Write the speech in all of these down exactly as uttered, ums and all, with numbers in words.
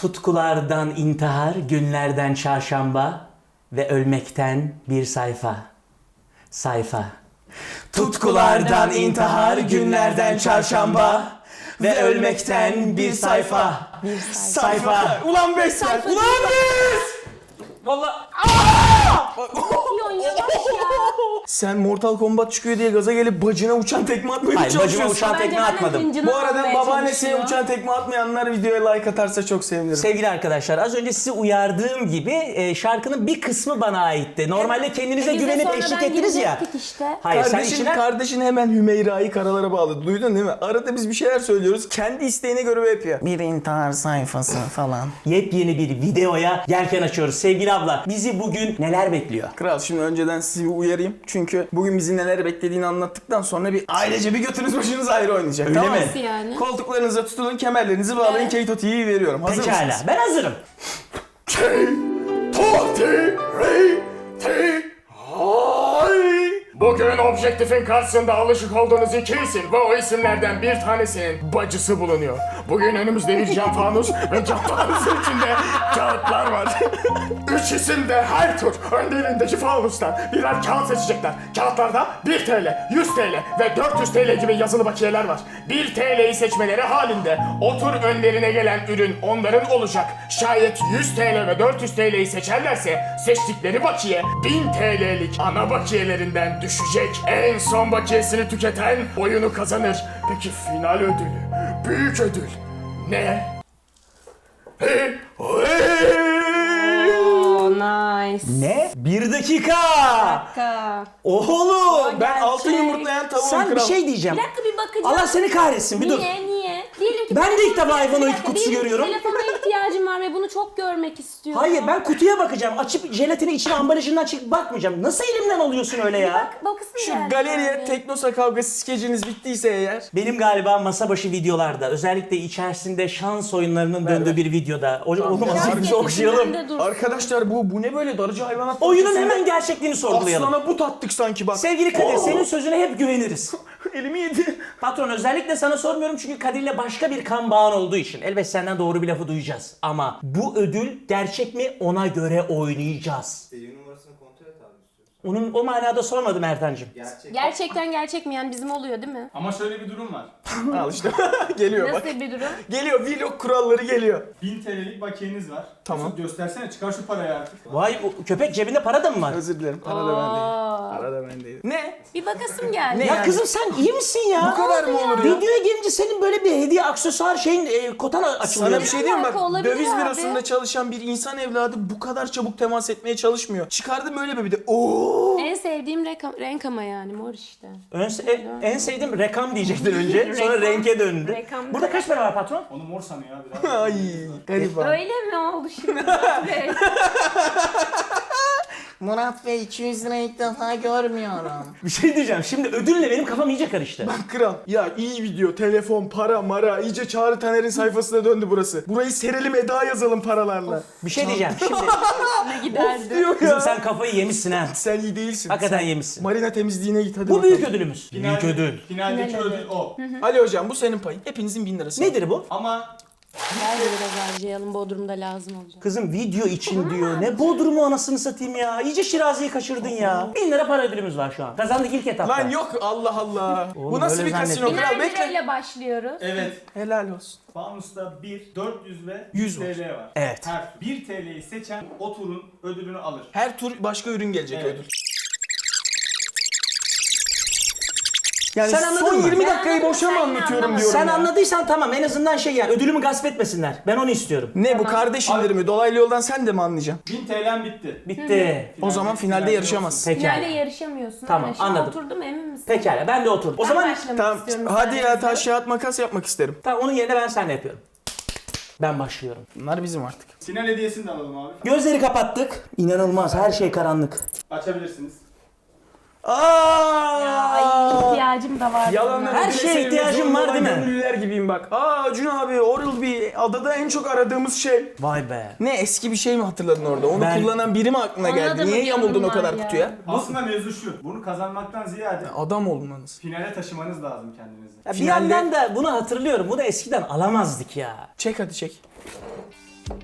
Tutkulardan intihar, günlerden çarşamba ve ölmekten bir sayfa. Sayfa. Tutkulardan intihar, günlerden çarşamba ve ölmekten bir sayfa. Bir Sayfa. Ulan beş sayfa. Ulan beş! Vallahi Yon yavaş ya. Sen Mortal Kombat çıkıyor diye gaza gelip bacına uçan tekme atmaya Hayır, çalışıyorsun. bacıma uçan Bence tekme benden atmadım. hıncını Bu arada almaya babaannesine çalışıyor. uçan tekme atmayanlar videoya like atarsa çok sevinirim. Sevgili arkadaşlar, az önce sizi uyardığım gibi e, şarkının bir kısmı bana aitti. Normalde kendinize E, bize güvenip sonradan eşlik ettiniz ya. girecektik işte. Hayır, sen Kardeşin, işine... kardeşin hemen Hümeyra'yı karalara bağladı. Duydun değil mi? Arada biz bir şeyler söylüyoruz. Kendi isteğine göre yapıyor. Bir intihar sayfası falan. Yepyeni bir videoya yelken açıyoruz. Sevgili abla, bizi bugün neler bekliyor? Kral, şimdi önceden sizi bir uyarayım. Çünkü bugün bizi neler beklediğini anlattıktan sonra bir ailece bir götünüz başınız ayrı oynayacak. Öyle tamam mi? mı? Nasıl yani? Koltuklarınıza tutunun, kemerlerinizi bağlayın, Evet. Keito T V'yi veriyorum. Hazır Pekala, mısınız? ben hazırım. Keito T V. Bugün objektifin karşısında alışık olduğunuz iki isim ve o isimlerden bir tanesinin bacısı bulunuyor. Bugün önümüzde bir cam fanus ve cam fanusun içinde kağıtlar var. Üç isim de her tur önlerindeki fanustan birer kağıt seçecekler. Kağıtlarda bir TL, yüz TL ve dört yüz TL gibi yazılı bakiyeler var. bir TL'yi seçmeleri halinde o tur önlerine gelen ürün onların olacak. Şayet yüz TL ve dört yüz TL'yi seçerlerse seçtikleri bakiye bin TL'lik ana bakiyelerinden düşecek. En son bakiyesini tüketen oyunu kazanır. Peki final ödülü, büyük ödül ne? Hey, hey! Oh, nice. Ne? Bir dakika! Dakika. Oğlum! Ben altın Gerçek. yumurtlayan tavuğum Sen bir kral. şey diyeceğim. Bir dakika bir bakacağım. Allah seni kahretsin, bir dur. Niye niye? Diyelim ki Ben de ilk defa iPhone Bir on iki dakika, kutusu diyelim ki görüyorum. Telefona ihtiyacım var ve bunu çok görmek istiyorum. Hayır, ben kutuya bakacağım. Açıp jelatini içine ambalajından çıkıp bakmayacağım. Nasıl elimden alıyorsun öyle ya? Bak, bakısın Şu geldi galeriye yani. Teknosa kavgası skeciniz bittiyse eğer. Benim galiba masa başı videolarda, özellikle içerisinde şans oyunlarının döndüğü bir videoda. O, oğlum Biraz azıcık bizi okşayalım. getirsin, dur. Arkadaşlar bu bu ne böyle darıcı hayvanat? Oyunun bahçesi? hemen gerçekliğini sorgulayalım. Aslana but attık sanki bak. Sevgili Kadir, Oo. senin sözüne hep güveniriz. Elimi yedi. Patron, özellikle sana sormuyorum çünkü Kadir'le başka bir kan bağın olduğu için. Elbet senden doğru bir lafı duyacağız. Ama bu ödül gerçek mi, ona göre oynayacağız. Seri numarasını kontrol et abi istiyorsan. Onun o manada sormadım Ertan'cığım. Gerçek. Gerçekten gerçek mi yani bizim oluyor değil mi? Ama şöyle bir durum var. Al işte. Geliyor bak. Nasıl bir durum? Geliyor, vlog kuralları geliyor. bin TL'lik bakiyeniz var. Tamam. Mesut göstersene, çıkar şu parayı artık. Vay, o köpek cebinde para da mı var? Özür dilerim. Para da bendeydi. Para da bendeydi. Ne? Bir bakasım geldi. Ne? Ya yani? kızım sen iyi misin ya? Bu kadar mı olur ya? Videoya gelince senin böyle bir hediye aksesuar şeyin e, kotan açılıyor. Sana bir şey diyeyim mi? alaka Bak, olabilir döviz abi. bürosunda çalışan bir insan evladı bu kadar çabuk temas etmeye çalışmıyor. Çıkardım böyle bir de ooo. En sevdiğim renk, renk ama yani mor işte. Ön, en, en sevdiğim rekam diyecektin önce. Sonra Rekam. renke döndü. Rekam. Burada kaç para var patron? Onu mor sanıyor abi. Daha. Ay garip abi. Öyle mi oldu şimdi Murat Bey? Murat Bey iki yüz lira ilk defa görmüyorum. Bir şey diyeceğim. Şimdi ödülle benim kafam iyice karıştı. Bak kral. Ya iyi video, telefon, para, mara. İyice Çağrı Taner'in sayfasına döndü burası. Burayı serelim, Eda yazalım paralarla. Bir şey diyeceğim. Şimdi Ne giderdi? Diyor kızım ya. sen kafayı yemişsin ha. Sen iyi değilsin. Hakikaten Sen yemişsin. Marina temizliğine git hadi Bu bakalım. büyük ödülümüz. Büyük ödül. Finaldeki Final ödül o. Ali hocam bu senin payın. Hepinizin bin lirası. Nedir bu? Ama Ver de biraz harcayalım Bodrum'da lazım olacak. Kızım video için diyor. Ne Bodrum'u anasını satayım ya. İyice Şirazi'yi kaçırdın ya. Bin lira para ödülümüz var şu an. Kazandık ilk etapta. Lan yok Allah Allah. Oğlum, bu nasıl öyle bir kasino zannettim. kral Biner bekle. lirayla başlıyoruz. evet. Helal olsun. Fanusta bir, dört yüz ve yüz yüz var. TL var. Evet. Her bir TL'yi seçen o turun ödülünü alır. Her tur başka ürün gelecek Evet. ödül. Yani Sen anladın son mı? yirmi Ben dakikayı anladım, boşa mı sen anlatıyorum anlamadın. diyorum Sen ya. anladıysan tamam, en azından şey yani ödülümü gasp etmesinler. Ben onu istiyorum. Ne bu kardeş indirimi? Dolaylı yoldan sen de mi anlayacaksın? bin TL'm bitti. Bitti. O zaman finalde yarışamazsın. Pekala. Finalde yarışamıyorsun. Tamam, Aynen. Şu an anladım. Oturdum emin misin? Pekala, ben de oturdum. O Ben zaman başlamak Tamam. istiyorum. Hadi ya sayenizde. taş kağıt makas yapmak isterim. tamam, onun yerine ben seninle yapıyorum. Ben başlıyorum. Bunlar bizim artık. Final hediyesini de alalım abi. Gözleri kapattık. İnanılmaz, her şey karanlık. Açabilirsiniz. Aa! Ya, ay, ihtiyacım da var. Yalanlar Her ödüle şeye sevmek ihtiyacım zorunda var, olan değil mi? gönüllüler gibiyim bak. Aa Acun abi Oral bir adada en çok aradığımız şey. Vay be. Ne eski bir şey mi hatırladın orada? Onu Ben- kullanan biri mi aklına Ona geldi? da mı Niye bir yamuldun o yorum kadar var ya? kutuya? Aslında mevzu şu. Bunu kazanmaktan ziyade Adam olmanız. finale taşımanız lazım kendinizi. Ya bir Finalde- yandan da bunu hatırlıyorum. Bunu eskiden alamazdık ya. Çek hadi çek.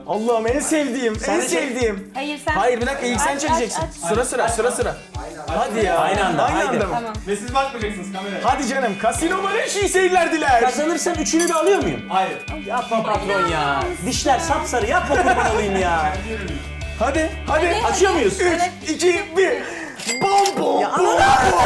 Allah'ım en sevdiğim, Sen en de çek. sevdiğim. Hayır sen. Hayır bir dakika ilk sen Aç, çekeceksin. aç, aç. Sıra sıra sıra sıra. Hadi ya. Aynı anda, Aynı haydi. anda mı? Tamam. Ve siz bakmayacaksınız kameraya. Hadi canım. Kasino bana iyi seyirler diler. Kazanırsam üçünü de alıyor muyum? Hayır. Yapma patron ya. Dişler sapsarı, yapma kurban olayım ya. Hadi hadi. Açıyor muyuz? üç, iki, bir. Bom bom Ya bom. ananı-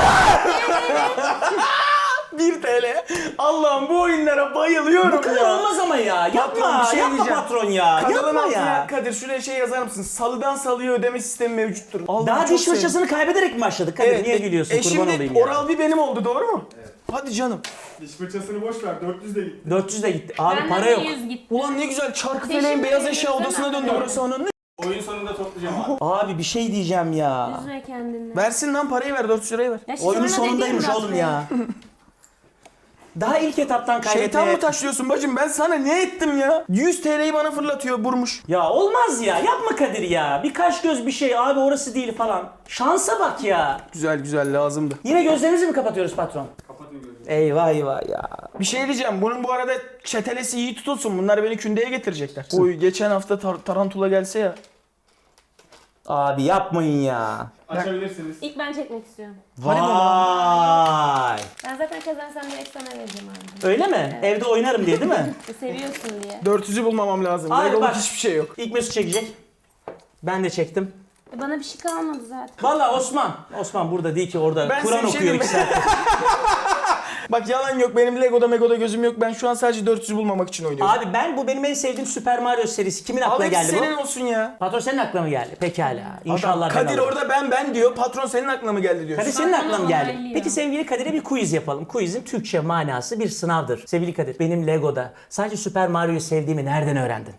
bir T L. Allah'ım bu oyunlara bayılıyorum Bu kadar ya. olmaz ama ya. Yapma, Patron, bir şey yapma diyeceğim. patron ya. Kanalın Yapma altına ya. Kadir şuraya şey yazar mısın? Salıdan salıya ödeme sistemi mevcuttur. Allah'ım Daha çok diş sevdim. fırçasını kaybederek mi başladık? Kadir niye e- gülüyorsun? E Kurban şimdi olayım ya. Oral-B benim oldu doğru mu? Evet. Hadi canım. Diş fırçasını boş ver. dört yüz de gitti. dört yüz de gitti. Abi Benden para de yok. yüz gitti. Ulan ne güzel çarkı Teşekkür feleğin beyaz ederim. eşya odasına Sana- döndü burası onun. Oyun sonunda toplayacağım abi. Abi bir şey diyeceğim ya. Üzme kendini. Versin lan parayı ver dört yüz lirayı ver. Ya şu Oyunun sana sonundaymış dediğim oğlum Murat ya. Daha ilk etaptan kaybetmeye... Şeytan mı taşlıyorsun bacım ben sana ne ettim ya? yüz T L'yi bana fırlatıyor burmuş. Ya olmaz ya. Yapma Kadir ya. Bir kaş göz bir şey. Abi orası değil falan. Şansa bak ya. Güzel güzel lazımdı. Yine gözlerimizi mi kapatıyoruz patron? Kapatın gözünü. Eyvah eyvah ya. Bir şey diyeceğim bunun bu arada çetelesi iyi tutulsun bunlar beni kündeye getirecekler. Oy geçen hafta tar- tarantula gelse ya. Abi yapmayın ya. Açabilirsiniz. İlk ben çekmek istiyorum. Vay. Ben zaten kazansam direkt sana vereceğim abi. Öyle mi? Evde oynarım diye değil mi? Seviyorsun diye. dört yüzü bulmamam lazım. Abi Legoluk bak. hiçbir şey yok. İlk Mesut çekecek. Ben de çektim. E bana bir şey kalmadı zaten. Valla Osman. Osman burada değil ki orada. Ben Kur'an size bir şey okuyor iki diyeyim mi? saat. Bak yalan yok benim Lego'da Mego'da gözüm yok. Ben şu an sadece dört yüzü bulmamak için oynuyorum. Abi ben bu benim en sevdiğim Super Mario serisi. Kimin Al aklına hepsi geldi senin bu? olsun ya. Patron senin aklına mı geldi? Pekala. İnşallah Adam, ben Kadir alırım. orada ben ben diyor. Patron senin aklına mı geldi diyor. Kadir senin Patron aklına mı geldi? onaylıyor. Peki sevgili Kadir'e bir quiz yapalım. Quizin Türkçe manası bir sınavdır. Sevgili Kadir, benim Lego'da sadece Super Mario'yu sevdiğimi nereden öğrendin?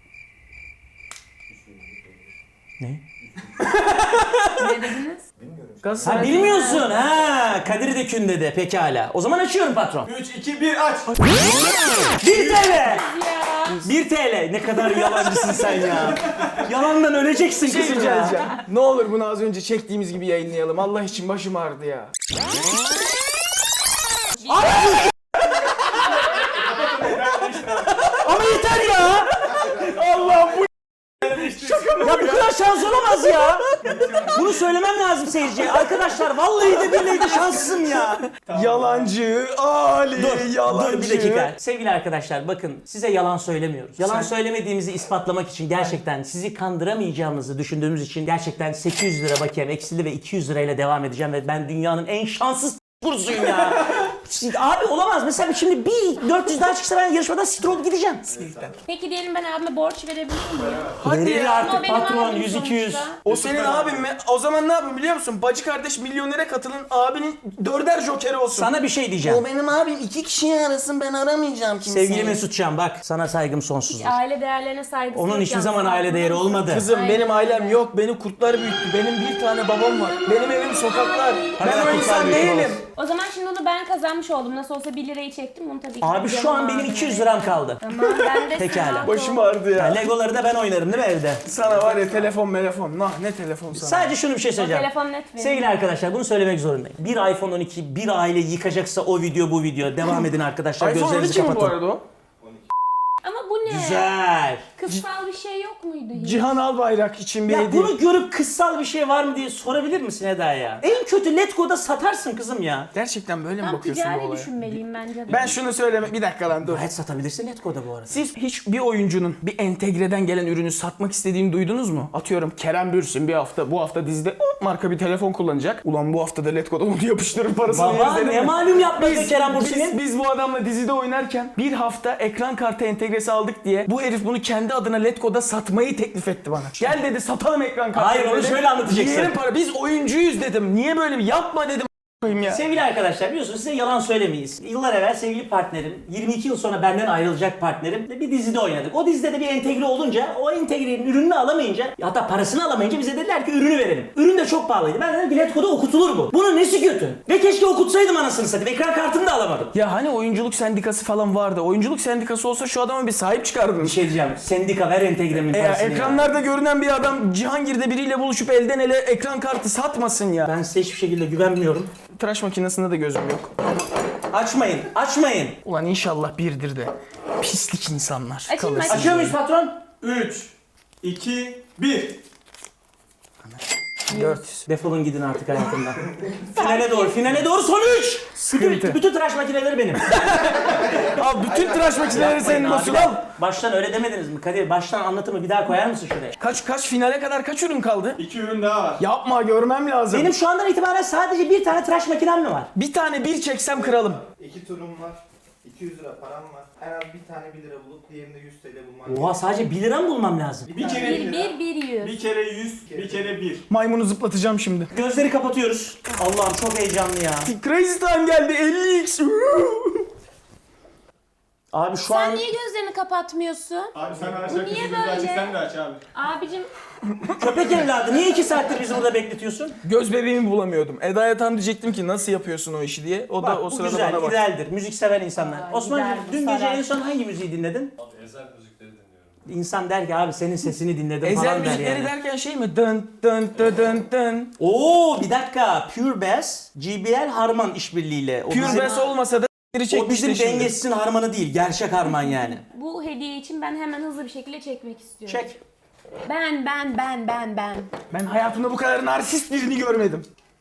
Ne? Ne dediniz? Ha Galatasaray- bilmiyorsun ha. Kadir de kün dedi. Pekala. O zaman açıyorum patron. üç, iki, bir aç. bir T L. Ya. bir T L. Ne kadar yalancısın sen ya. Yalandan öleceksin Şey kızım rica ya. edeceğim. Ne olur bunu az önce çektiğimiz gibi yayınlayalım. Allah için başım ağrıdı ya. Ama yeter ya. Allah bu Ya bu kadar şans olamaz ya. Bunu söylemem lazım seyirciye. Arkadaşlar vallahi de billahi de şanssızım ya. yalancı Ali Dur, yalancı. dur bir dakika. Sevgili arkadaşlar bakın size yalan söylemiyoruz. Yalan söylemediğimizi ispatlamak için gerçekten sizi kandıramayacağımızı düşündüğümüz için gerçekten sekiz yüz lira bakiyem eksili ve iki yüz lirayla devam edeceğim ve ben dünyanın en şanssız kursuyum ya. Şimdi abi olamaz. Mesela şimdi bir dört yüz daha çıksa ben yarışmadan siktir olup gideceğim. Peki diyelim ben abime borç verebilir miyim? Hadi Verir ya. artık Ama benim patron abim yüz iki yüz. sonuçta. O senin abin mi? O zaman ne yapın biliyor musun? Bacı kardeş milyonere katılın. Abinin dörder jokeri olsun. Sana bir şey diyeceğim. O benim abim iki kişiyi arasın ben aramayacağım kimseyi. Sevgili Mesutcan bak sana saygım sonsuzdur. Aile değerlerine saygısı Onun yok hiçbir yalnız. zaman aile değeri olmadı. Kızım Aynen benim ailem öyle. yok. Beni kurtlar büyüttü. Benim bir tane babam var. Benim evim sokaklar. Ben Hala o kurtlar insan büyüttü değilim. olsun. O zaman şimdi onu ben kazanmış oldum. Nasıl olsa bir lirayı çektim bunu tabii ki. Abi şu an benim iki yüz liram kaldı. Tamam ben de Pekala. sana- Başım ağrıdı ya. Ya Legoları da ben oynarım değil mi evde? Sana var ya telefon telefon. Nah ne telefon sana. Sadece şunu bir şey O söyleyeceğim. telefon net benim. Sevgili arkadaşlar bunu söylemek zorundayım. Bir iPhone on iki bir aile yıkacaksa o video bu video. Devam edin arkadaşlar iPhone on gözlerinizi iki mi bu kapatın. arada o? Ama bu ne? Güzel. Kızsal bir şey yok muydu hiç? Cihan Albayrak için bir Ya hediye. bunu görüp kızsal bir şey var mı diye sorabilir misin Eda ya? En kötü Letgo'da satarsın kızım ya. Gerçekten böyle mi Tam bakıyorsun bu ticari olaya? düşünmeliyim bence de. Ben şunu söyleme bir dakika lan dur. Gayet satabilirsin Letgo'da bu arada. Siz hiç bir oyuncunun bir entegreden gelen ürünü satmak istediğini duydunuz mu? Atıyorum Kerem Bürsin bir hafta bu hafta dizide o marka bir telefon kullanacak. Ulan bu hafta da Letgo'da onu yapıştırır parasını Baba yeriz ne dedim mi? malum yapmadı Biz, Kerem biz, Bursin'in? biz bu adamla dizide oynarken bir hafta ekran kartı entegresi aldık diye bu herif bunu kendi adına Letgo'da satmayı teklif etti bana. Gel dedi satalım ekran kartı. Hayır, onu dedi. şöyle anlatacaksın. Yerim para. Biz oyuncuyuz dedim. Niye böyle bir yapma dedim a**ayım ya. Sevgili arkadaşlar biliyorsunuz size yalan söylemeyiz. Yıllar evvel sevgili partnerim, yirmi iki yıl sonra benden ayrılacak partnerim bir dizide oynadık. O dizide de bir entegre olunca, o entegrenin ürününü alamayınca, hatta parasını alamayınca bize dediler ki ürünü verelim. Ürün de çok pahalıydı. Ben dedim ki Letgo'da okutulur bu. Bunun nesi kötü? Ve keşke okutsaydım anasını satayım. Ekran kartını da alamadım. Ya hani oyunculuk sendikası falan vardı. Oyunculuk sendikası olsa şu adama bir sahip çıkardın. Bir şey diyeceğim. Sendika ver entegremin E ya, parasını ya. ekranlarda görünen bir adam Cihangir'de biriyle buluşup elden ele ekran kartı satmasın ya. Ben size hiçbir şekilde güvenmiyorum. Tıraş makinesinde de gözüm yok. Açmayın, açmayın. Ulan inşallah birdir de. Pislik insanlar. Açayım mı? kalırsın. Açıyor muyuz patron? üç, iki, bir. dört yüz. Defolun gidin artık hayatımdan. Finale doğru, finale doğru son üç. Bütün, Sıkıntı. bütün tıraş makineleri benim. Abi bütün tıraş makineleri senin Yapmayın olsun abiler. al. Baştan öyle demediniz mi Kadir? Baştan anlatımı bir daha koyar mısın şuraya? Kaç kaç finale kadar kaç ürün kaldı? İki ürün daha var. Yapma görmem lazım. Benim şu andan itibaren sadece bir tane tıraş makinem mi var? Bir tane bir çeksem kralım. İki turum var. iki yüz lira param var. En az bir tane bir lira bulup diğerinde yüz T L bulman Oha sadece bir lira mı bulmam lazım? Bir kere Bir, bir, bir, yüz. Bir kere yüz, bir kere bir. Maymunu zıplatacağım şimdi. Gözleri kapatıyoruz. Allah'ım çok heyecanlı ya. Crazy time geldi elli x. Abi şu Sen an niye gözlerini kapatmıyorsun? Abi sen aç, Bu herkes niye gözünü aç, böyle? sen de aç abi. Abicim köpek evladı niye iki saattir bizi burada bekletiyorsun? Göz bebeğimi bulamıyordum. Eda'ya tam diyecektim ki nasıl yapıyorsun o işi diye. O da Bak o bu sırada güzel, bana bak. idealdir. Müzik seven insanlar. Aa, Osman'cığım gider bu, dün gece sarar. en son hangi müziği dinledin? Abi ezel müzikleri dinliyorum. İnsan der ki abi senin sesini dinledim Ezel falan der müzikleri yani. derken şey mi? Dın dın dın dın dın. Oo bir dakika. Pure Bass, J B L Harman işbirliğiyle. O Pure bizim, Bass olmasa da biri o çekmişti bizim şimdi. dengesizin harmanı değil. Gerçek harman yani. bu hediye için ben hemen hızlı bir şekilde çekmek istiyorum. Çek. Ben, ben, ben, ben, ben. Ben hayatımda bu kadar narsist birini görmedim.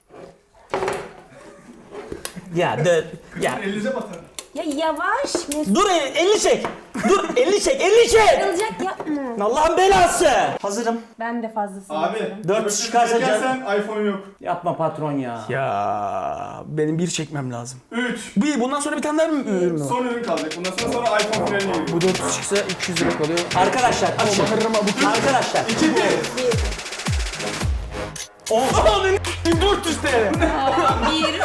Ya de, ya. Elinize batar. Ya yavaş. Mesut Dur el- elini çek. Dur elini çek, elini çek. kırılacak yapma. Allah'ın belası. Hazırım. Ben de fazlasını Abi, yaparım. Dört öbür türlü çıkarsa çekersen iPhone yok. Yapma patron ya. Ya benim bir çekmem lazım. Üç. Bir bundan sonra bir tane daha mı ürün mü var? Son ürün kalacak. Bundan sonra sonra iPhone finaline giriyor. Bu dört yüz çıksa iki yüz lira kalıyor. Arkadaşlar açın. Arkadaşlar. İki, bir. dört yüz T L. Bir,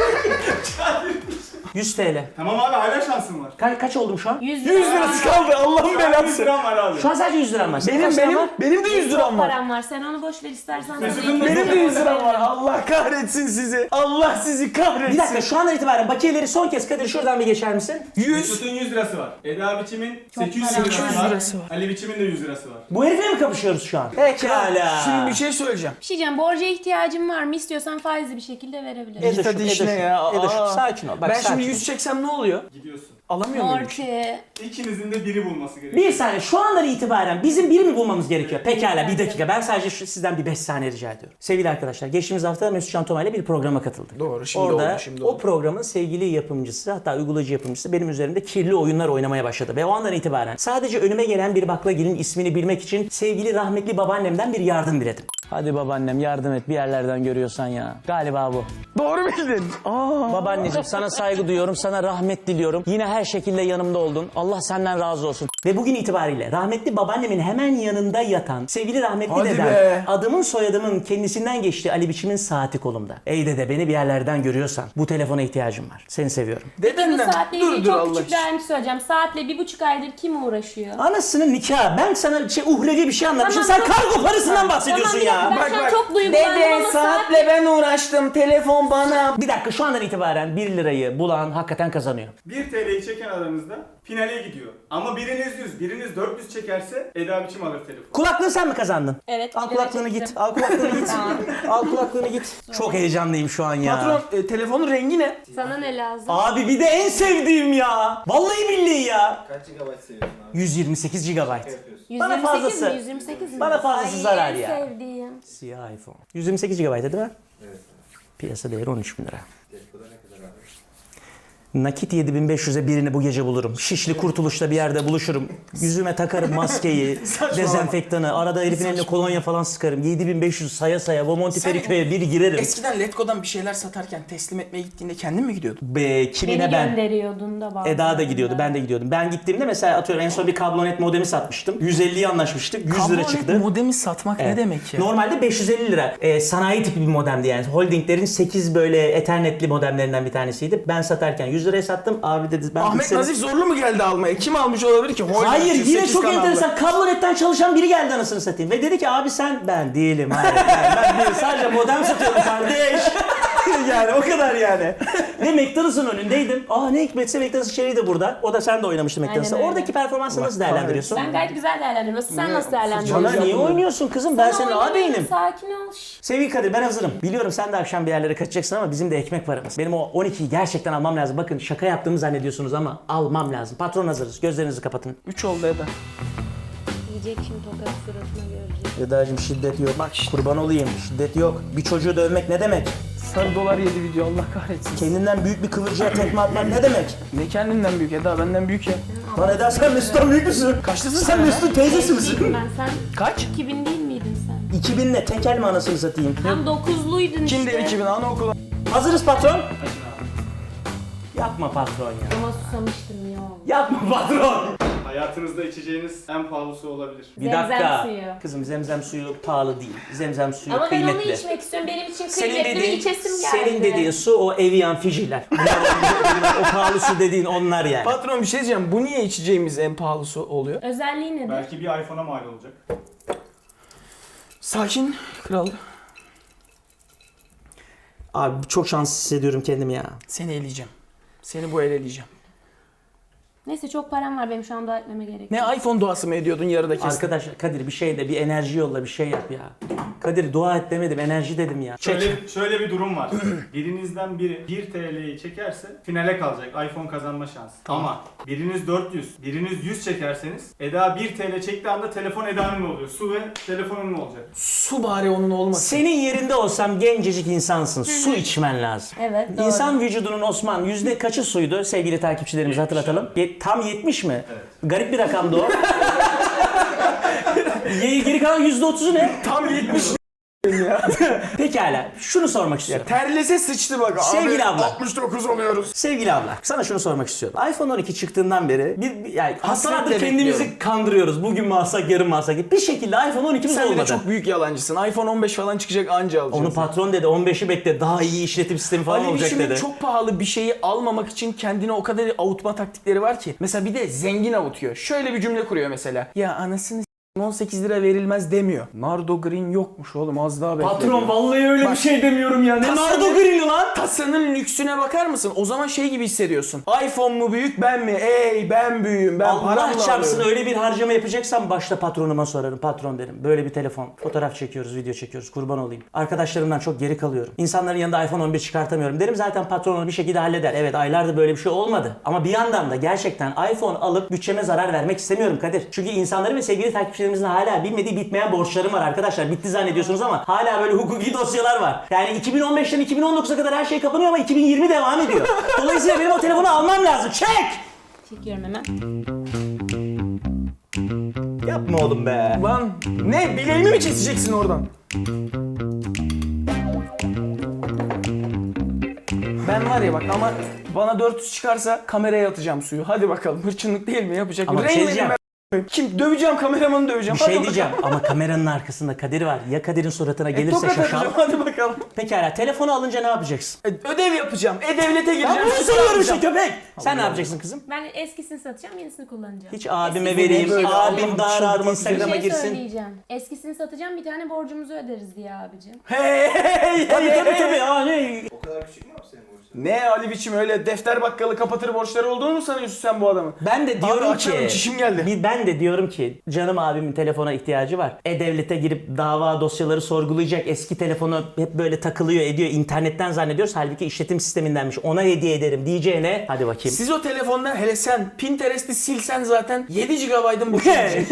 yüz T L. Tamam abi hala şansın var. Ka- kaç oldum şu an? yüz yüz lirası kaldı Allah'ın yüz belası. liram var abi. Şu an sadece yüz liram var. Senin Benim kaç liran benim var? benim de yüz Çok liram var. param var. Sen onu boş ver istersen. Mesut'un da Benim de yüz liram var. Allah kahretsin sizi. Allah sizi kahretsin. Bir dakika şu andan itibaren bakiyeleri son kez Kadir şuradan bir geçer misin? yüz. Mesut'un yüz lirası var. Eda biçimin Çok sekiz yüz para lirası var. var. lirası var. Ali biçimin de yüz lirası var. Bu herifle mi kapışıyoruz şu an? Pekala. Şimdi bir şey söyleyeceğim. Bir şey diyeceğim. Borca ihtiyacım var mı? İstiyorsan faizli bir şekilde verebilirim. Edoş'um, Git hadi işine Edoş'um, ya. Edoş'um, Aa. sakin ol. Bak, Ben sakin şimdi ol. yüz çeksem ne oluyor? Gidiyorsun. Alamıyor muyum? Morty. İkinizin de biri bulması gerekiyor. Bir saniye şu andan itibaren bizim biri mi bulmamız gerekiyor? Pekala bir dakika ben sadece şu, sizden bir beş saniye rica ediyorum. Sevgili arkadaşlar geçtiğimiz hafta Mesut Can Toma ile bir programa katıldık. Doğru, şimdi Orada oldu, şimdi o oldu. programın sevgili yapımcısı hatta uygulayıcı yapımcısı benim üzerimde kirli oyunlar oynamaya başladı. Ve o andan itibaren sadece önüme gelen bir baklagilin ismini bilmek için sevgili rahmetli babaannemden bir yardım diledim. Hadi babaannem yardım et bir yerlerden görüyorsan ya. Galiba bu. Doğru bildin. Aa. Babaanneciğim sana saygı duyuyorum, sana rahmet diliyorum. Yine her şekilde yanımda oldun. Allah senden razı olsun. Ve bugün itibariyle rahmetli babaannemin hemen yanında yatan sevgili rahmetli Hadi dedem, be. adımın soyadımın kendisinden geçti Ali Biçim'in saati kolumda. Ey dede beni bir yerlerden görüyorsan bu telefona ihtiyacım var. Seni seviyorum. Bu Dedenden. saatle Dur ilgili dur çok Allah küçük bir için. ayrıntı söyleyeceğim. Saatle bir buçuk aydır kim uğraşıyor? Anasının nikahı. Ben sana şey uhrevi bir şey anlatmışım. Tamam, Sen çok- kargo parasından bahsediyorsun Tamam, bir dakika, ya. ben Bak, şu an bak. çok duygulandım Dede ama saatle ben uğraştım. Telefon bana. Bir dakika şu andan itibaren bir lirayı bulan hakikaten kazanıyor. bir T L'yi çeken aranızda finale gidiyor. Ama biriniz yüz, biriniz dört yüz çekerse Eda biçim alır telefonu. Kulaklığı sen mi kazandın? Evet. Al bir kulaklığını lira git. çektim. Al kulaklığını git. Al kulaklığını git. Çok heyecanlıyım şu an ya. Patron e, telefonun rengi ne? Sana ne lazım? Abi bir de en sevdiğim ya. Vallahi billahi ya. Kaç gigabayt seviyorsun abi? yüz yirmi sekiz gigabayt. Ne yapıyorsun? yüz bana yirmi sekiz fazlası. mi? yüz yirmi sekiz mi? Bana fazlası Ay, zarar en ya. sevdiğim. Siyah iPhone. yüz yirmi sekiz gigabayt değil mi? Evet abi. Piyasa değeri on üç bin lira. Telefonda ne kadar abi? Nakit yedi bin beş yüze birini bu gece bulurum. Şişli Kurtuluş'ta bir yerde buluşurum. Yüzüme takarım maskeyi, dezenfektanı. Arada herifin eline kolonya falan sıkarım. yedi bin beş yüz saya saya Bomonti Sen- Feriköy'e bir girerim. Eskiden Letgo'dan bir şeyler satarken teslim etmeye gittiğinde kendin mi gidiyordun? Be, kimine Beni ben? gönderiyordun da bazen. Eda da gidiyordu, ben de gidiyordum. Ben gittiğimde mesela atıyorum en son bir kablonet modemi satmıştım. yüz elliye anlaşmıştık, yüz lira Kablonet çıktı. modemi satmak ne Evet. demek ya? Normalde beş yüz elli lira. Ee, sanayi tipi bir modemdi yani. Holdinglerin sekiz böyle Ethernet'li modemlerinden bir tanesiydi. Ben satarken yüz liraya sattım. Abi dedi ben Ahmet bilgisayarı- Nazif Zorlu mu geldi almaya? Kim almış olabilir ki? Holding Hayır için yine sekiz çok kanallı. enteresan. Kablonetten çalışan biri geldi anasını satayım. Ve dedi ki abi sen ben değilim. Hayır, hayır, ben değilim. Sadece modem satıyorum kardeş. Yani o kadar yani. Ve McDonald's'ın önündeydim. Aa ne hikmetse McDonald's içeriği de burada. O da sen de oynamıştın McDonald's'ta. Aynen öyle. Oradaki performansını nasıl değerlendiriyorsun? Ben gayet güzel değerlendiriyorum. Sen nasıl değerlendiriyorsun? Bana niye oynuyorsun kızım? Ben senin Oynamıyorum, ağabeyinim. Sakin ol. Şş. Sevgili Kadir ben hazırım. Biliyorum sen de akşam bir yerlere kaçacaksın ama bizim de ekmek paramız. Benim o on ikiyi gerçekten almam lazım. Bakın şaka yaptığımı zannediyorsunuz ama almam lazım. Patron hazırız. Gözlerinizi kapatın. üç oldu Eda. Yiyecek şimdi tokat suratına görecek. Eda'cığım şiddet yok. Bak kurban olayım. Şiddet yok. Bir çocuğu dövmek ne demek? Sarı dolar yedi video Allah kahretsin. Kendinden büyük bir kıvırcığa tekme atmak ne demek? Ne kendinden büyük Eda benden büyük ya. Lan Eda sen Mesut'tan büyük müsün? Kaçlısın Sen sen Mesut'un teyzesi misin? Ben sen Kaç? iki bin değil miydin sen? iki bin ne? Tekel mi anasını satayım? Tam dokuzluydun işte. Kim der iki bin anaokulu? Hazırız patron. Yapma patron ya. Ama susamıştım ya. Yapma patron. Hayatınızda içeceğiniz en pahalısı olabilir. Bir Zemzem dakika. suyu. Kızım zemzem suyu pahalı değil. Zemzem suyu Ama ben kıymetli. onu içmek istiyorum. Benim için Senin kıymetli ve dediğin, içesim geldi. senin dediğin su o Evian Fijiler. O pahalı su dediğin onlar yani. Patron bir şey diyeceğim. Bu niye içeceğimiz en pahalısı oluyor? Özelliği nedir? Belki bir iPhone'a mal olacak. Sakin kral. Abi çok şanslı hissediyorum kendimi ya. Seni eleyeceğim. Seni bu el eleyeceğim. Neyse çok param var benim şu an dua etmeme gerek. Ne iPhone duası mı ediyordun yarıda kestin? Arkadaş Kadir bir şey de bir enerji yolla bir şey yap ya. Kadir dua et demedim enerji dedim ya. Çek. Şöyle, şöyle bir durum var. Birinizden biri bir T L'yi çekerse finale kalacak. iPhone kazanma şansı. Ama biriniz dört yüz, biriniz yüz çekerseniz Eda bir T L çektiği anda telefon Eda'nın oluyor. Su ve telefonun olacak. Su bari onun olmasın. Senin yerinde olsam gencecik insansın. Su içmen lazım. Evet doğru. İnsan vücudunun Osman yüzde kaçı suydu sevgili takipçilerimize hatırlatalım. Ye- tam yetmiş mi? Evet. Garip bir rakamdı o. Ye- Geri kalan yüzde otuzu ne? Tam yetmiş ya. Pekala şunu sormak istiyorum. Terlese sıçtı bak. Sevgili abla. altmış dokuz oluyoruz. Sevgili abla, sana şunu sormak istiyorum. iPhone on iki çıktığından beri bir, bir yani haftalardır Hasretle kendimizi bekliyorum. kandırıyoruz. Bugün mü alsak, yarın mı alsak? Bir şekilde iPhone on ikimiz Sen bir de olmadı. çok büyük yalancısın. iPhone on beş falan çıkacak anca alacaksın. Onu patron dedi, on beşi bekle, daha iyi işletim sistemi falan Ali olacak Biçim'in dedi. çok pahalı bir şeyi almamak için kendine o kadar avutma taktikleri var ki. Mesela bir de zengin avutuyor. Şöyle bir cümle kuruyor mesela. Ya anasını s*** on sekiz lira verilmez demiyor. Nardo Green yokmuş oğlum az daha bekle. Patron vallahi öyle Bak, bir şey demiyorum ya. Ne tasarım- Nardo Green'i lan? Kasanın lüksüne bakar mısın? O zaman şey gibi hissediyorsun. iPhone mu büyük ben mi? Ey ben büyüğüm ben Allah paramla çarpsın alıyorum. öyle bir harcama yapacaksan başta patronuma sorarım. Patron derim. Böyle bir telefon. Fotoğraf çekiyoruz, video çekiyoruz. Kurban olayım. Arkadaşlarımdan çok geri kalıyorum. İnsanların yanında iPhone on bir çıkartamıyorum. Derim zaten patron onu bir şekilde halleder. Evet aylardır böyle bir şey olmadı. Ama bir yandan da gerçekten iPhone alıp bütçeme zarar vermek istemiyorum Kadir. Çünkü insanların ve sevgili takipçilerimizin hala bilmediği bitmeyen borçlarım var arkadaşlar. Bitti zannediyorsunuz ama hala böyle hukuki dosyalar var. Yani iki bin on beşten iki bin on dokuza kadar her şey kapanıyor ama iki bin yirmi devam ediyor. Dolayısıyla benim o telefonu almam lazım. Çek! Çekiyorum hemen. Yapma oğlum be. Lan ne bileğimi mi keseceksin oradan? Ben var ya bak ama bana dört yüz çıkarsa kameraya atacağım suyu. Hadi bakalım hırçınlık değil mi yapacak? Ama mı? bir şey Rain diyeceğim. Man'i ben- Kim döveceğim kameramanı döveceğim. Bir Hadi şey bakalım. diyeceğim ama kameranın arkasında Kadir var. Ya Kadir'in suratına gelirse Tokat şaşal. atacağım hadi bakalım. Pekala telefonu alınca ne yapacaksın? E, ödev yapacağım. E-Devlet'e gireceğim. Ben bunu süper soruyorum işte yapacağım. köpek. Sen ne yapacaksın kızım? Ben eskisini satacağım, yenisini kullanacağım. Hiç abime Eskisini- vereyim. Böyle Abim Allah'ım daha rahat çıldırmak Bir Instagram'a şey girsin. söyleyeceğim. Eskisini satacağım, bir tane borcumuzu öderiz diye abicim. Hey hey Tabii hey, tabii hey. tabii. Aa, ne? O kadar küçük mü abi senin borçların? Ne Ali Biçim öyle defter bakkalı kapatır borçları olduğunu mu sanıyorsun sen bu adamın? Ben de diyorum açalım, ki çişim geldi. bir- ben de diyorum ki canım abimin telefona ihtiyacı var. E-Devlet'e girip dava dosyaları sorgulayacak. Eski telefonu hep böyle takılıyor ediyor. İnternetten zannediyoruz. Halbuki işletim sistemindenmiş. Ona hediye ederim diyeceğine. Hadi bakayım. Siz o telefondan hele sen Pinterest'i silsen zaten yedi gigabaytın boşuna gidecek.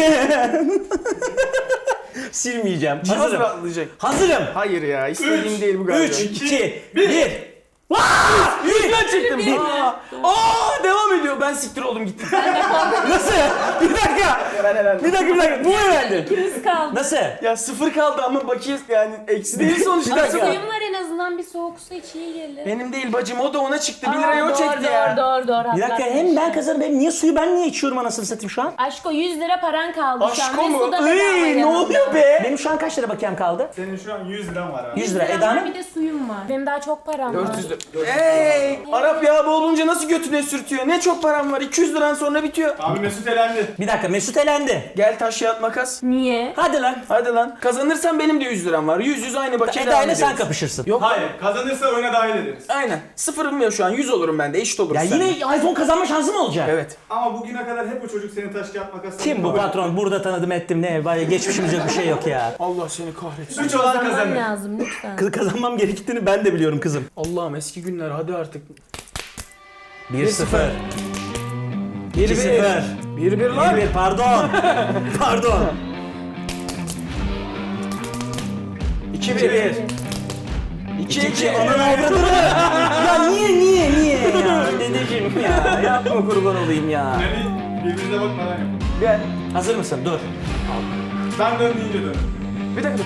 Silmeyeceğim. Cihaz Hazırım. rahatlayacak. Hazırım. Hayır ya istediğim değil bu galiba. üç, iki, bir. Yüzden çıktım. Aa, aa, devam ediyor. Ben siktir oldum gittim. Nasıl? Bir dakika. Bir dakika bir dakika. Bu mu verdi? İkimiz kaldı. Nasıl? Ya sıfır kaldı ama bakiye yani eksi değil sonuçta. Ama suyum var en azından, bir soğuk su iç iyi gelir. Benim değil bacım o da ona çıktı. bir Aa, lirayı o doğru, çekti doğru, ya. Doğru doğru Bir dakika hem ben kazanırım hem niye suyu ben niye içiyorum anasını satayım şu an? Aşko yüz lira paran kaldı şu an. Aşko ve mu? su da bedava Iy, ne yanında. oluyor be? Benim şu an kaç lira bakiyem kaldı? Senin şu an yüz liran var abi. yüz lira. var, Eda'nın? bir de suyum var. Benim daha çok param var. dört yüz lira. Hey! Arap yağı olunca nasıl götüne sürtüyor? Ne çok param var. iki yüz liran sonra bitiyor. Abi Mesut elendi. Bir dakika Mesut elendi. Gel taş kağıt makas. Niye? Hadi lan. Hadi lan. Kazanırsan benim de yüz liram var. yüz yüz aynı bakiye Eda devam ile sen ediyoruz. kapışırsın. Yok. Hayır, kazanırsa oyuna dahil ederiz. Aynen. Sıfırım ya şu an. yüz olurum ben de. Eşit oluruz Ya seninle. yine iPhone kazanma şansım olacak. Evet. Ama bugüne kadar hep o çocuk seni taş kağıt makas. Kim bu patron? Burada tanıdım ettim ne? Vay geçmişimiz yok bir şey yok ya. Allah seni kahretsin. Üç olan Kazanmam kazanır. lazım lütfen. Kız kazanmam gerektiğini ben de biliyorum kızım. Allah'ım eski günler hadi artık. bir sıfır. Bir iki sıfır. Bir bir lan. bir bir pardon. Pardon. İki iki bir. bir. İki iki. Ananı avradını. Ya niye niye niye ya dedeciğim ya. Yapma kurban olayım ya. Yani birbirinize bakmadan yapın. Gel. Hazır mısın? Dur. Ben dön deyince dön. Bir dakika dur.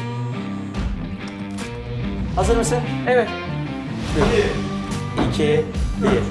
Hazır mısın? Evet. Bir. iki bir.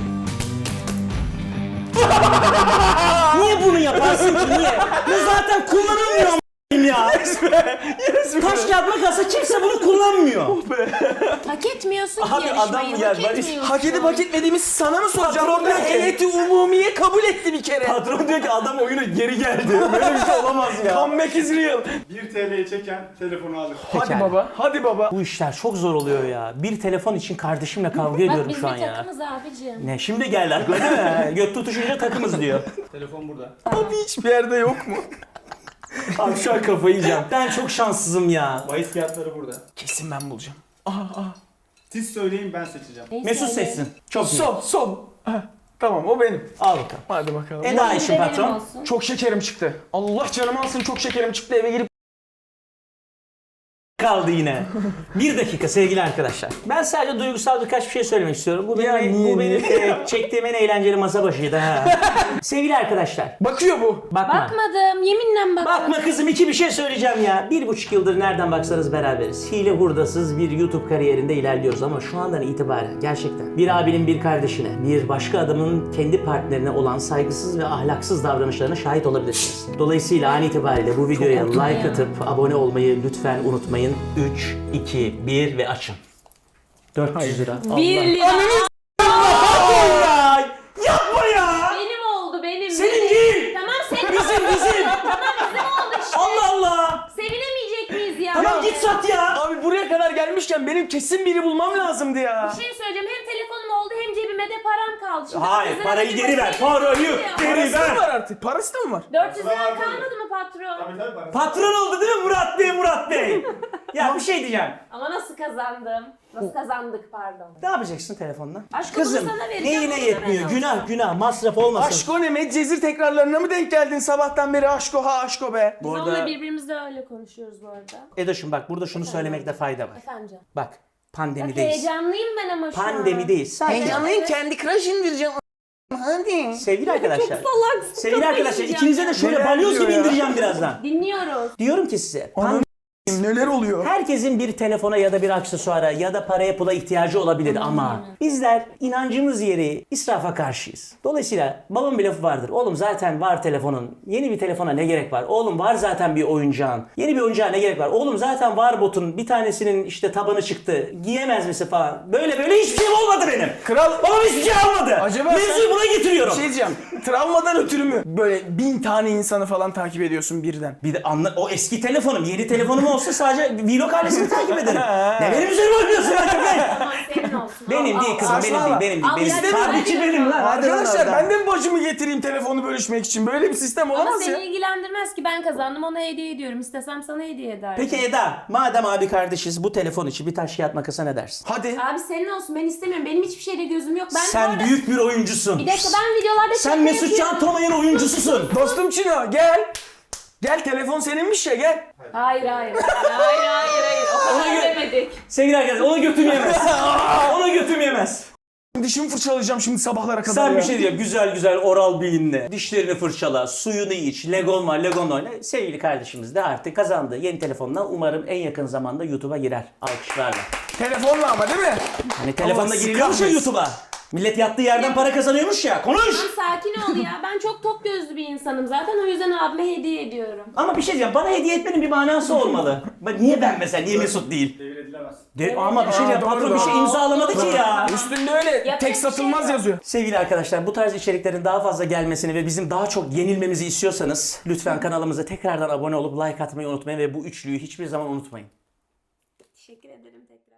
Niye bunu yaparsın ki niye? Bu zaten kullanılmıyor a**ayım ya. Taş kağıt makası kimse bunu kullanmıyor. Hak etmiyorsun ki Abi yarışmayı. adam hak gel. etmiyorsun. Hak edip hak etmediğimizi sana mı soracağım? Patron Orada diyor ki- heyeti umumiye kabul etti bir kere. Patron diyor ki adam oyuna geri geldi. Böyle bir şey olamaz ya. Comeback is real. bir T L'yi çeken telefonu alır. Hadi Pekala. baba. Hadi baba. Bu işler çok zor oluyor ya. Bir telefon için kardeşimle kavga Bak ediyorum biz şu an bir ya. takımız abicim. Ne şimdi geldi aklıma değil mi? Göt tutuşunca takımız diyor. Telefon burada. Abi hiçbir yerde yok mu? Abi şu an kafayı yiyeceğim. Ben çok şanssızım ya. Bahis fiyatları burada. Kesin ben bulacağım. Aha aha. Siz söyleyin ben seçeceğim. Neyse, Mesut hadi. seçsin. Çok iyi. Son son. Heh, tamam o benim. Al bakalım. Hadi bakalım. Eda Bir de işin benim patron. olsun. Çok şekerim çıktı. Allah canımı alsın çok şekerim çıktı eve gelip Kaldı yine. Bir dakika sevgili arkadaşlar. Ben sadece duygusal birkaç bir şey söylemek istiyorum. Bu Ya benim, niye, bu benim niye? e, çektiğim en eğlenceli masa başıydı ha. Sevgili arkadaşlar. bakıyor bu. Bakma. Bakmadım. Yeminle bakmadım. Bakma kızım iki bir şey söyleyeceğim ya. Bir buçuk yıldır nereden baksanız beraberiz. Hile hurdasız bir YouTube kariyerinde ilerliyoruz ama şu andan itibaren gerçekten bir abinin bir kardeşine, bir başka adamın kendi partnerine olan saygısız ve ahlaksız davranışlarına şahit olabilirsiniz. Dolayısıyla an itibariyle bu videoya korktum like ya. atıp abone olmayı lütfen unutmayın. üç, iki, bir ve açın. dört yüz lira. Bir lira. Allah! Yapma ya! Benim oldu benim. Senin benim. değil! Tamam senin. Bizim bizim! Tamam bizim oldu işte. Allah Allah! Sevinemeyecek miyiz ya? Tamam git sat ya! Abi buraya kadar gelmişken benim kesin biri bulmam lazımdı ya. Bir şey söyleyeceğim. Hem telefonum oldu hem cebime de param kaldı. Şimdi Hayır, kızlara parayı bir geri ver, bakayım. parayı Ya. geri Parası ver. mı var artık? Parası da mı var? dört yüz lira Parası var, kalmadı mı patron? Tabii tabii parası. Patron oldu değil mi Murat Bey, Murat Bey? Ya bir şey diyeceğim. Ama nasıl kazandım? Nasıl kazandık pardon. Ne yapacaksın telefonla? Aşkım, Kızım, bunu sana vereceğim, neyine bunu yetmiyor? sana Günah, günah, masraf olmasın. Aşko ne? Medcezir tekrarlarına mı denk geldin sabahtan beri aşko ha aşko be? Biz Bu arada- onunla birbirimizle öyle konuşuyoruz bu arada. Edoş'um bak burada şunu söylemekte fayda var. Efendim canım. Bak, Bak pandemideyiz. heyecanlıyım ben ama şu an. Pandemideyiz. Sadece Heyecanlıyım kendi crush indireceğim. Hadi. sevgili arkadaşlar. Salaksın. Sevgili kafayı arkadaşlar yiyeceğim ikinize de ya. şöyle Neler balyoz diyor gibi ya? indireceğim birazdan. Dinliyoruz. Diyorum ki size. Anam neler oluyor? Herkesin bir telefona ya da bir aksesuara ya da paraya pula ihtiyacı olabilir ama bizler inancımız yeri israfa karşıyız. Dolayısıyla babamın bir lafı vardır. Oğlum zaten var telefonun. Yeni bir telefona ne gerek var? Oğlum var zaten bir oyuncağın. Yeni bir oyuncağa ne gerek var? Oğlum zaten var botun. Bir tanesinin işte tabanı çıktı. Giyemez misin falan. Böyle böyle hiçbir şeyim olmadı benim. Kral Babam hiçbir şey almadı. Acaba Mevzuyu sen- buna getiriyorum. bir şey diyeceğim. Travmadan ötürü mü? Böyle bin tane insanı falan takip ediyorsun birden. Bir de anla, o eski telefonum, yeni telefonum olsa sadece vlog ailesini takip ederim. Ne benim üzerime oynuyorsun Hakan Bey? Tamam senin olsun. Benim Al, değil al, kızım, al. benim değil, saçmalama. benim değil, Al, benim ya, değil. değil mi? Tabii ki benim lan. hadi lan Arkadaşlar oradan. ben de mi bacımı getireyim telefonu bölüşmek için? Böyle bir sistem Ama olamaz ya. seni ilgilendirmez ki ben kazandım ona hediye ediyorum. İstesem sana hediye ederdim. Peki Eda, madem abi kardeşiz bu telefon için bir taş kağıt makasa ne dersin? Hadi. Abi senin olsun ben istemiyorum. Benim hiçbir şeyde gözüm yok. Ben bu Sen arada- büyük bir oyuncusun. Bir dakika ben videolarda Sen çekme Mesut Can yapıyorum. Tomay'ın oyuncususun. Dostum Çino gel. Gel telefon seninmiş ya gel. Hayır hayır. Hayır hayır hayır. O Ona kadar gö- demedik. Sevgili arkadaşlar ona götüm yemez. Ona götüm yemez. Dişimi fırçalayacağım şimdi sabahlara kadar Sen ya. bir şey diyeyim, güzel güzel oral beyinle. Dişlerini fırçala, suyunu iç, Legon var, Legon oyna. Sevgili kardeşimiz de artık kazandı. Yeni telefonla umarım en yakın zamanda YouTube'a girer. Alkışlarla. Telefonla ama değil mi? Hani telefonla Allah giriliyormuş ya kahretsin. YouTube'a. Millet yattığı yerden para kazanıyormuş ya. Konuş! Tamam sakin ol ya. Ben çok tok gözlü bir insanım zaten. O yüzden abime hediye ediyorum. Ama bir şey diyeceğim, bana hediye etmenin bir manası olmalı. Ben- Niye ben mesela, niye Mesut değil? Devir edilemez. De, ama bir şey Aa, diyeceğim, doğru, patron bir şey doğru. imzalamadı ki ya. Üstünde öyle Yapacak tek bir şey satılmaz yok. yazıyor. Sevgili arkadaşlar, bu tarz içeriklerin daha fazla gelmesini ve bizim daha çok yenilmemizi istiyorsanız lütfen kanalımıza tekrardan abone olup like atmayı unutmayın ve bu üçlüyü hiçbir zaman unutmayın. Teşekkür ederim tekrar.